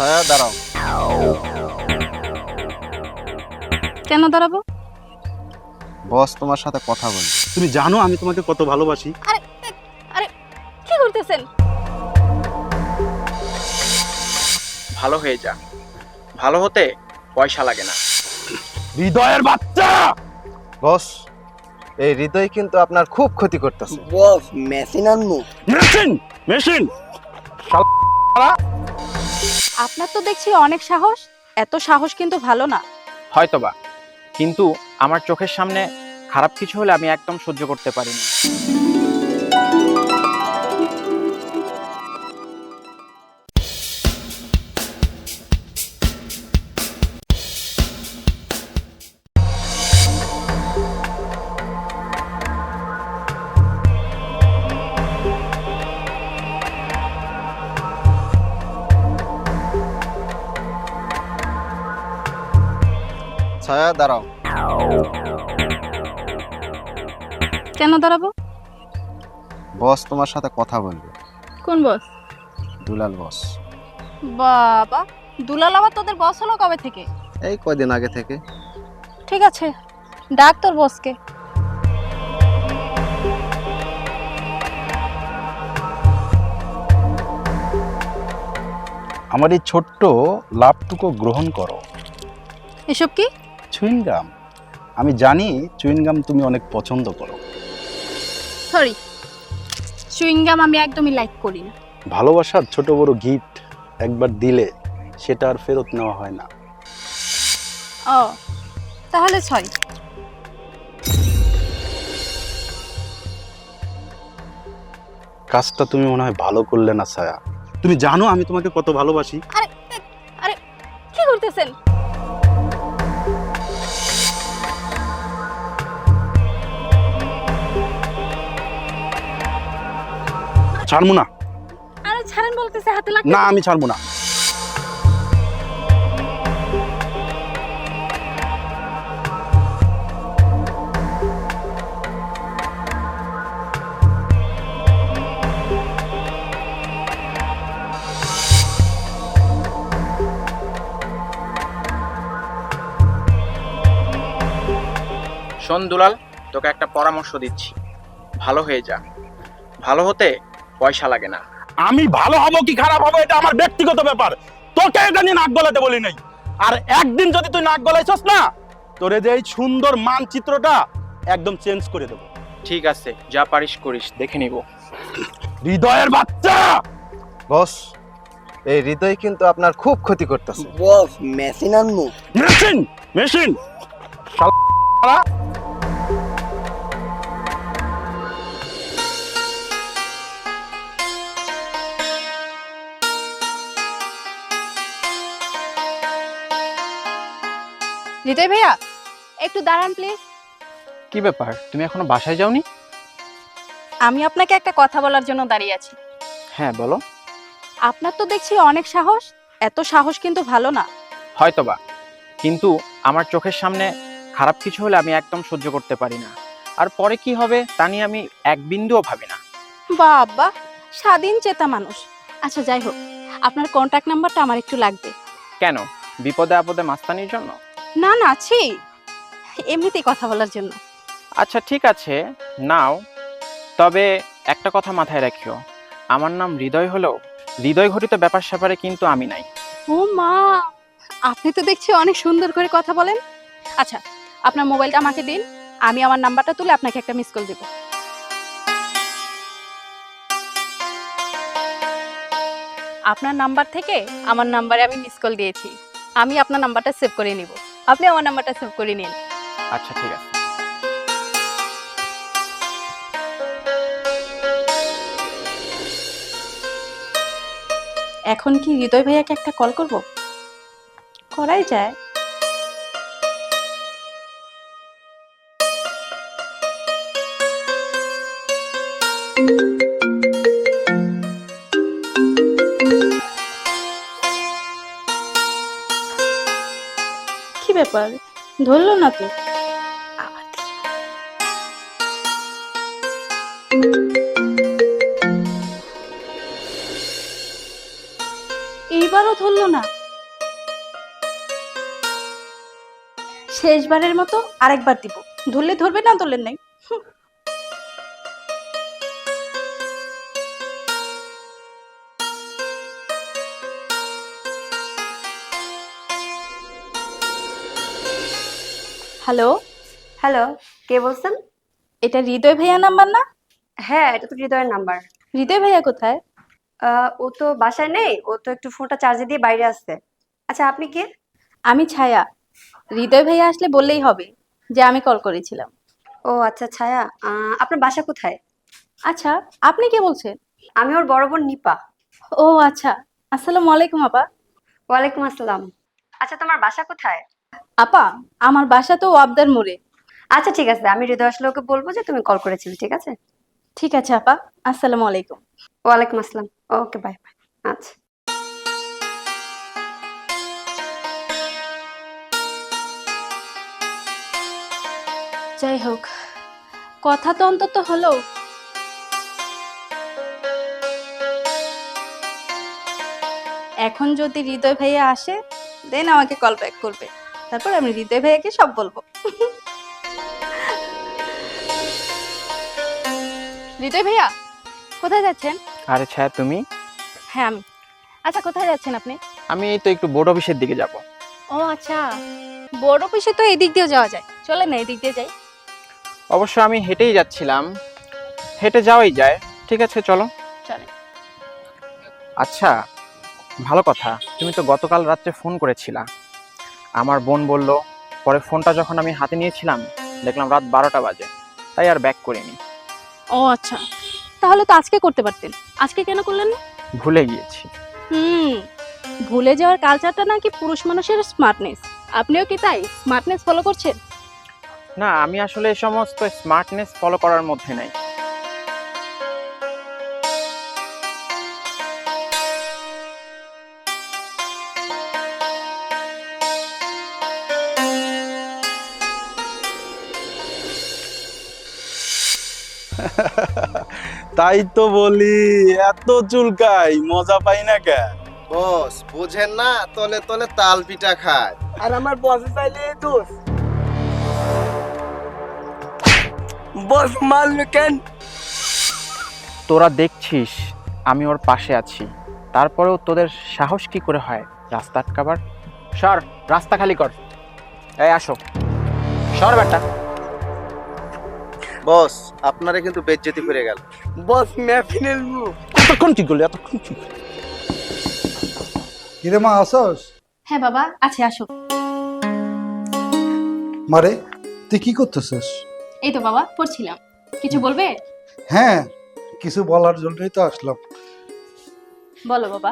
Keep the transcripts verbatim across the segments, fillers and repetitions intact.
ছায়া দাঁড়াও। কেন দাঁড়াবো? বস তোমার সাথে কথা বলবে। তুমি জানো আমি তোমাকে কত ভালোবাসি। আরে আরে কি করতেছেন? ভালো হয়ে যা, ভালো হতে পয়সা লাগে না। হৃদয়ের বাচ্চা। বস, এই হৃদয় কিন্তু আপনার খুব ক্ষতি করতেছে। বস মেশিন আনমু। মেশিন মেশিন আপনার তো দেখছি অনেক সাহস। এত সাহস কিন্তু ভালো না। হয়তোবা, কিন্তু আমার চোখের সামনে খারাপ কিছু হলে আমি একদম সহ্য করতে পারি না। ছায়া দাঁড়াও। কেন দাঁড়াবো? বস তোমার সাথে কথা বলবে। কোন বস? দুলাল বস। বাবা, দুলাল আবার তোদের বস হলো কবে থেকে? এই কয়দিন আগে থেকে। ঠিক আছে, ডাক তোর বসকে। আমার এই ছোট্ট লাভটুকু গ্রহণ করো। এসব কি? চুইংগাম। আমি জানি চুইংগাম তুমি অনেক পছন্দ করো। সরি, চুইংগাম আমি একদমই লাইক করি না। ভালোবাসার ছোট বড় গিফট একবার দিলে সেটা আর ফেরত নেওয়া হয় না। ও, তাহলে সরি। কাজটা তুমি মনে হয় ভালো করলে না ছায়া। তুমি জানো আমি তোমাকে কত ভালোবাসি। আরে আরে কি করতেছেন? ছাড়বো না। আরে ছাড়েন বলতেছে, হাতে লাগবে। না আমি ছাড়বো না। শোন দুলাল, তোকে একটা পরামর্শ দিচ্ছি, ভালো হয়ে যা, ভালো হতে পয়সা লাগে না। আমি ভালো হব কি খারাপ হবো এটা আমার ব্যক্তিগত ব্যাপার। তোকে এটা নিয়ে নাক গলাতে বলি নাই। আর একদিন যদি তুই নাক গলাইছস না, তোরে যে এই সুন্দর মানচিত্রটা একদম চেঞ্জ করে দেবো। ঠিক আছে, যা পারিস করিস, দেখে নিব। হৃদয়ের বাচ্চা। বস, এই হৃদয় কিন্তু আপনার খুব ক্ষতি করতেছে। বস মেশিন আনমু। মেশিন মেশিন হৃদয় ভাইয়া, একটু দাঁড়ান প্লিজ। কি ব্যাপার, তুমি এখনো বাসায় যাওনি? আমি আপনাকে একটা কথা বলার জন্য দাঁড়িয়ে আছি। হ্যাঁ বলো। আপনার তো দেখছি অনেক সাহস। এত সাহস কিন্তু ভালো না। হয়তোবা, কিন্তু আমার চোখের সামনে খারাপ কিছু হলে আমি একদম সহ্য করতে পারি না। আর পরে কি হবে তা নিয়ে আমি এক বিন্দুও ভাবি না। বাবা, স্বাধীন চেতা মানুষ। আচ্ছা যাই হোক, আপনার কন্ট্যাক্ট নাম্বারটা আমার একটু লাগবে। কেন, বিপদে আপদে মাস্তানির জন্য? না না, ছি, এমনিতেই কথা বলার জন্য। আচ্ছা ঠিক আছে, নাও। তবে একটা কথা মাথায় রাখিও, আমার নাম হৃদয় হলেও হৃদয় ঘটিত ব্যাপার স্যাপারে কিন্তু আমি নাই। ও মা, আপনি তো দেখছি অনেক সুন্দর করে কথা বলেন। আচ্ছা, আপনার মোবাইলটা আমাকে দিন, আমি আমার নাম্বারটা তুলে আপনাকে একটা মিস কল দেব। আপনার নাম্বার থেকে আমার নাম্বারে আমি মিস কল দিয়েছি। আমি আপনার নাম্বারটা সেভ করে নিব, আপনি আমার নাম্বারটা সেভ করে নিন। আচ্ছা ঠিক আছে। এখন কি হৃদয় ভাইয়াকে একটা কল করব? করাই যায়। কি ব্যাপার, ধরলো না তো? আবার এইবার একবারও ধরলো না। শেষবারের মতো আরেকবার দিব, ধরলে ধরবে, না ধরলে নাই। হ্যালো, হ্যালো, কে বলছেন? এটা হৃদয় ভাইয়া নাম্বার না? হ্যাঁ, এটা তো হৃদয়ের নাম্বার। হৃদয় ভাইয়া কোথায়? আহ, ও তো বাসায় নেই, ও তো একটু ফোনটা চার্জে দিয়ে বাইরে আসছে। আচ্ছা, আপনি কে? আমি ছায়া। হৃদয় ভাইয়া আসলে বললেই হবে যে আমি কল করেছিলাম। ও আচ্ছা, ছায়া। আহ, আপনার বাসা কোথায়? আচ্ছা, আপনি কে বলছেন? আমি ওর বড় বোন নিপা। ও আচ্ছা, আসসালামু আলাইকুম আপা। ওয়ালাইকুম আসসালাম। আচ্ছা, তোমার বাসা কোথায়? আপা, আমার বাসা তো ওয়াবদার মোড়ে। আচ্ছা, ঠিক আছে, আমি হৃদয় আসলে ওকে বলবো যে তুমি কল করেছিলে। ঠিক আছে? ঠিক আছে আপা, আসসালামু আলাইকুম। ওয়ালাইকুম আসসালাম। Okay, bye bye. আচ্ছা। যাই হোক, কথা তো অন্তত হলো। এখন যদি হৃদয় ভাইয়া আসে, দেন আমাকে কল ব্যাক করবে, তারপর আমি হৃদয় ভাইয়াকে সব বলবো। হৃদয় ভাইয়া, কোথায় যাচ্ছেন? আরে ছায়া, তুমি? হ্যাঁ আমি। আচ্ছা, কোথায় যাচ্ছেন আপনি? আমি এই তো একটু বোর্ড অফিসের দিকে যাব। ও আচ্ছা, বোর্ড অফিসে তো এই দিক দিয়েও যাওয়া যায়, চলে না এই দিক দিয়ে যাই। অবশ্য আমি হেঁটেই যাচ্ছিলাম, হেঁটে যাওয়াই যায়। ঠিক আছে, চলো। চলে। আচ্ছা, ভালো কথা, তুমি তো গতকাল রাত্রে ফোন করেছিলা। আমার বোন বলল, পরে ফোনটা যখন আমি হাতে নিয়েছিলাম দেখলাম রাত বারোটা বাজে, তাই আর ব্যাক করিনি। ও আচ্ছা, তাহলে তো আজকে করতে পারতেন, আজকে কেন করলেন না? ভুলে গিয়েছি। হুম, ভুলে যাওয়ার কালচারটা নাকি পুরুষ মানুষের স্মার্টনেস। আপনিও কি তাই স্মার্টনেস ফলো করছেন? না, আমি আসলে এই সমস্ত স্মার্টনেস ফলো করার মধ্যে নাই। তাই তো বলি, এত চুলকাই, মজা পাই না কে? বস বুঝেন না, তলে তলে তাল পিঠা খায়। আর আমার বসে চাইলে দোষ। বস মারলো কেন? তোরা দেখছিস আমি ওর পাশে আছি, তারপরেও তোদের সাহস কি করে হয় রাস্তা আটকাবার? সর, রাস্তা খালি কর। এই আসো, সর বেটা। বস আপনারে কিন্তু বেজ্জতি করে গেল। বস ম্যাফিনের মুখ। এতক্ষণ কি করলি? এতক্ষণ কি করলি? কিরে মা, আসস? হ্যাঁ বাবা, আছে, আসো। মারে, তুই কি করতেছিস? এই তো বাবা পড়ছিলাম। কিছু বলবে? হ্যাঁ, কিছু বলার জন্যই তো আসলাম। বলো বাবা।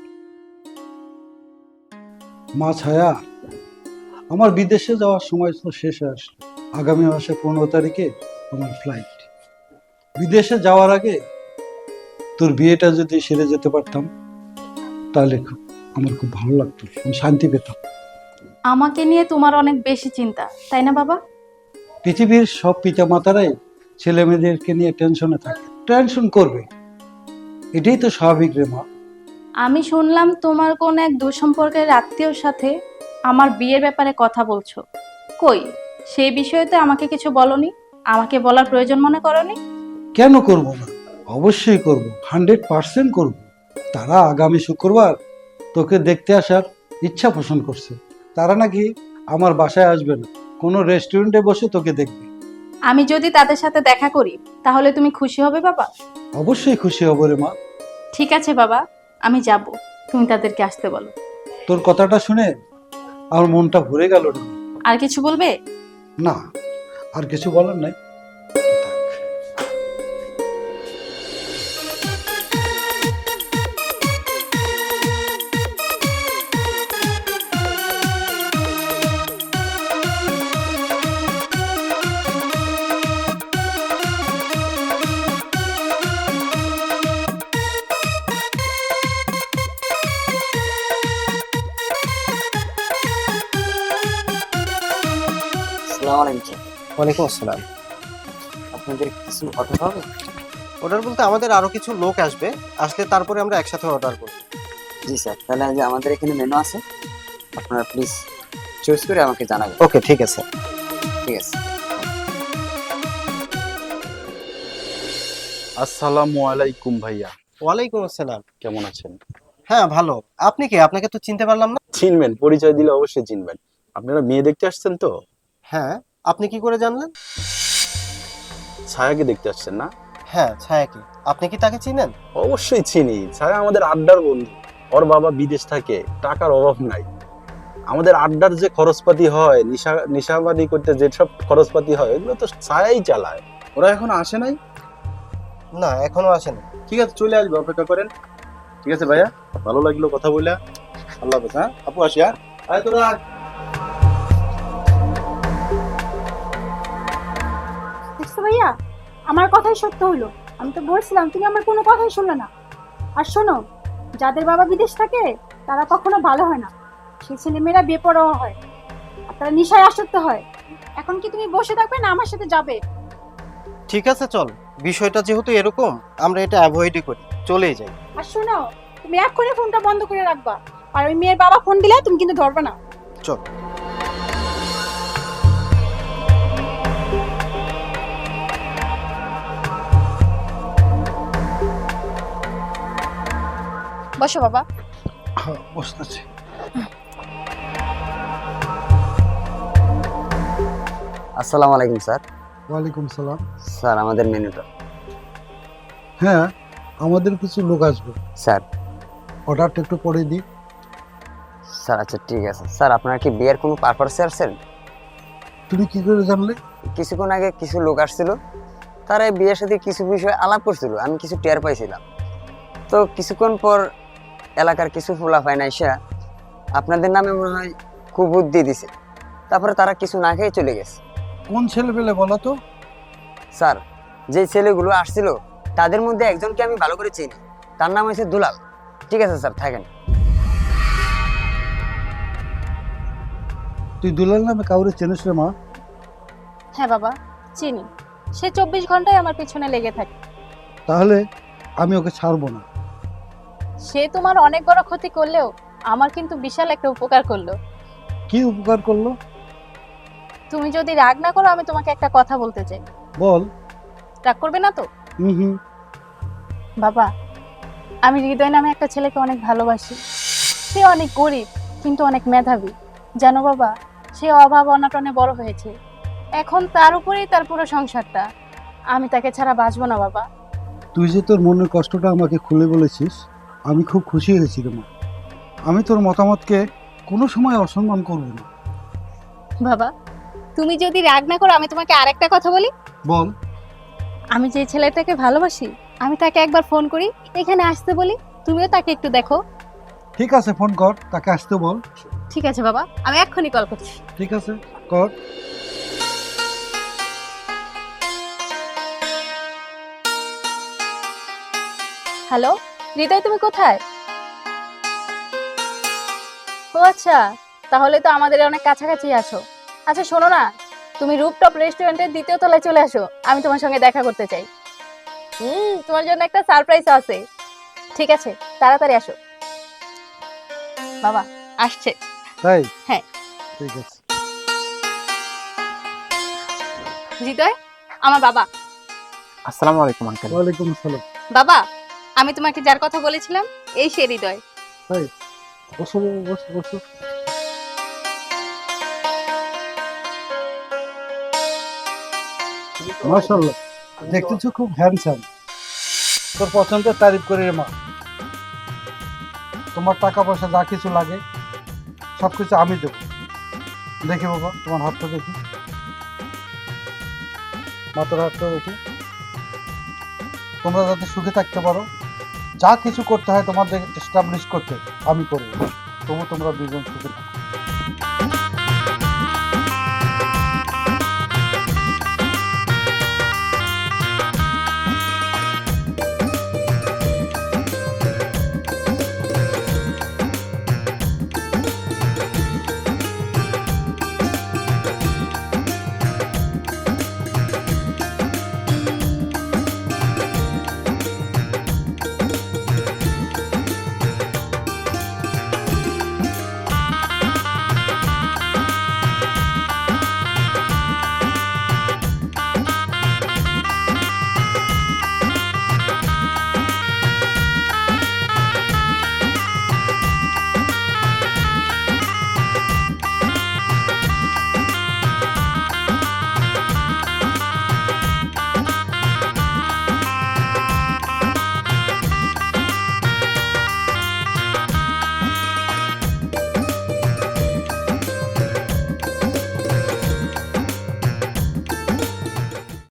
মা ছায়া, আমার বিদেশে যাওয়ার সময় তো শেষে আসলো। আগামী মাসে পনেরো তারিখে আমার ফ্লাইট। বিদেশে যাওয়ার আগে তোর বিয়েটা যদি সেরে যেতে পারতাম তাহলে খুব আমার খুব ভালো লাগতো, আমি শান্তি পেতাম। আমাকে নিয়ে তোমার অনেক বেশি চিন্তা, তাই না বাবা? পৃথিবীর সব পিতা মাতারাই ছেলে মেয়েদেরকে নিয়ে টেনশনে থাকে, টেনশন করবে, এটাই তো স্বাভাবিক রে মা। আমি শুনলাম তোমার কোন এক দুঃসম্পর্কের আত্মীয়র সাথে আমার বিয়ের ব্যাপারে কথা বলছো। কই, সেই বিষয়ে তো আমাকে কিছু বলনি, আমাকে বলার প্রয়োজন মনে করনি। কেন করব না? অবশ্যই করব, হান্ড্রেড পার্সেন্ট করব। তারা আগামী শুক্রবার তোকে দেখতে আসার ইচ্ছা পোষণ করছে। তারা নাকি আমার বাসায় আসবে না, কোনো রেস্টুরেন্টে বসে তোকে দেখবে। আমি যদি তাদের সাথে দেখা করি তাহলে তুমি খুশি হবে বাবা? অবশ্যই খুশি হব রে মা। ঠিক আছে বাবা, আমি যাব, তুমি তাদেরকে আসতে বলো। তোর কথাটা শুনে আমার মনটা ভরে গেল রে মা। আর কিছু বলবে? না, আর কিছু বলার নাই। আসসালামু আলাইকুম। ওয়ালাইকুম আসসালাম। আপনাদের কিছু অর্ডার হবে? অর্ডার বলতে আমাদের আরো কিছু লোক আসবে, আসলে তারপরে আমরা একসাথে অর্ডার করব। জি স্যার, তাহলে আজ আমাদের এখানে মেনু আছে, আপনারা প্লিজ চয়েস করে আমাকে জানাবেন। ওকে, ঠিক আছে। ঠিক আছে। আসসালামু আলাইকুম ভাইয়া, ওয়ালাইকুম আসসালাম। কেমন আছেন? হ্যাঁ ভালো। আপনি কে? আপনাকে তো চিনতে পারলাম না। চিনবেন, পরিচয় দিলে অবশ্যই চিনবেন। আপনারা মেয়ে দেখতে আসছেন তো? হ্যাঁ, আপনি কি করে জানলেন? ছায়াকে দেখতে আসছেন না? হ্যাঁ, ছায়া কি? আপনি কি তাকে চিনেন? অবশ্যই চিনি। ছায়া আমাদের আড্ডার বন্ধু। ওর বাবা বিদেশ থাকে, টাকার অভাব নাই। আমাদের আড্ডার যে খরচপাতি হয়, নিশা নিশাবাদি করতে যেসব খরচপাতি হয়, এগুলো তো ছায়াই চালায়। ওরা এখন আসে নাই? না, এখনো আসেনি। ঠিক আছে, চলে আসবে, অপেক্ষা করেন। ঠিক আছে ভাইয়া, ভালো লাগলো কথা বলে। আল্লাহ হাফেজ। হ্যাঁ আপু, আসি। হ্যাঁ আয় তোরা। দেখছো ভাইয়া, আমার কথাই সত্য হলো। আমি তো বলছিলাম, তুমি আমার কোনো কথাই শুনলে না। আর শোনো, যাদের বাবা বিদেশ থাকে তারা কখনো ভালো হয় না। সেই ছেলেমেয়েরা বেপরোয়া হয় আর তারা নেশায় আসক্ত হয়। এখন কি তুমি বসে থাকবে না আমার সাথে যাবে? ঠিক আছে, চল। বিষয়টা যেহেতু এরকম, আমরা এটা অ্যাভয়েডই করি, চলেই যাই। আর শোনো, তুমি এক্ষুনি ফোনটা বন্ধ করে রাখবা। আর ওই মেয়ের বাবা ফোন দিলে তুমি কিন্তু ধরবে না। চল। বসো বাবা। হ্যাঁ, বসতেছি। আসসালামু আলাইকুম স্যার। ওয়ালাইকুম সালাম। স্যার, আমাদের মেনুটা। হ্যাঁ, আমাদের কিছু লোক আসবে, স্যার। অর্ডারটা একটু পরে দিই। স্যার আচ্ছা ঠিক আছে। স্যার, আপনারা কি বিয়ের কোনো পারপাসে আসছেন? তুমি কি করে জানলে? কিছুক্ষণ আগে কিছু লোক আসছিল, তারা এই বিয়ের সাথে কিছু বিষয় আলাপ করছিল, আমি কিছু টের পাইছিলাম। তো কিছুক্ষণ পর এলাকার কিছু ফোলাফাই না এসে আপনাদের নামে মনে হয় খুব বুদ্ধি দিছে, তারপরে তারা কিছু না খেয়ে চলে গেছে। কোন ছেলে পেলে বলো তো? স্যার, যে ছেলেগুলো আসছিল তাদের মধ্যে একজনকে আমি ভালো করে চিনি, তার নাম হচ্ছে দুলাল। ঠিক আছে স্যার, থাকেন। তুই দুলাল নামে কাউরে চেনিস রে মা? হ্যাঁ বাবা, চিনি। সে চব্বিশ ঘন্টায় আমার পিছনে লেগে থাকে। তাহলে আমি ওকে ছাড়বো না। সে তোমার অনেক বড় ক্ষতি করলেও আমার কিন্তু বিশাল একটা উপকার করলো। কি উপকার করলো? তুমি যদি রাগ না করো, আমি তোমাকে একটা কথা বলতে চাই। বল। রাগ করবে না তো? হুম হুম। বাবা, আমি হৃদয় নামে একটা ছেলেকে অনেক ভালোবাসি। সে অনেক গরিব কিন্তু অনেক মেধাবী। জানো বাবা, সে অভাব অনাটনে বড় হয়েছে। এখন তার উপরেই তার পুরো সংসারটা। আমি তাকে ছাড়া বাঁচবো না বাবা। তুই যে তোর মনের কষ্টটা আমাকে খুলে বলেছিস, আমি খুব খুশি হয়েছি রে মা। আমি তোর মতামতকে কোনো সময় অসম্মান করব না। বাবা, তুমি যদি রাগ না করো, আমি তোমাকে আরেকটা কথা বলি। বল। আমি যে ছেলেটাকে ভালোবাসি, আমি তাকে একবার ফোন করি, এখানে আসতে বলি, তুমিও তাকে একটু দেখো। ঠিক আছে, ফোন কর, তাকে আসতে বল। ঠিক আছে বাবা, আমি এক্ষুনি কল করছি। ঠিক আছে, কর। হ্যালো হৃদয়, তুমি কোথায়? ও আচ্ছা, তাহলে তো আমাদের অনেক কাছাকাছি আছো। আচ্ছা শোনো না, তুমি রুপটপ রেস্টুরেন্টের দ্বিতীয় তলায় চলে আসো, আমি তোমার সঙ্গে দেখা করতে চাই। হুম, তোমার জন্য একটা সারপ্রাইজ আছে। ঠিক আছে, তাড়াতাড়ি আসো। বাবা আসছে। তাই? হ্যাঁ। ঠিক আছে। হৃদয়, আমার বাবা। আসসালামু আলাইকুম আঙ্কেল। ওয়ালাইকুম আসসালাম। বাবা, আমি তোমাকে যার কথা বলেছিলাম, এই সে হৃদয়। তাই? বসো বসো বসো। মাশাআল্লাহ, দেখতেছো খুব হ্যান্ডসাম। তোর পছন্দের তারিফ করে রে মা। তোমার টাকা পয়সা যা কিছু লাগে সব কিছু আমি দেব। দেখি বাবা, তোমার হাতটা দেখি। মাথার হাতটা দেখি। তোমরা যাতে সুখে থাকতে পারো, যা কিছু করতে হয় তোমাদের এস্টাবলিশ করতে আমি করবো। তবু তোমরা দুজন সুখে থাকো।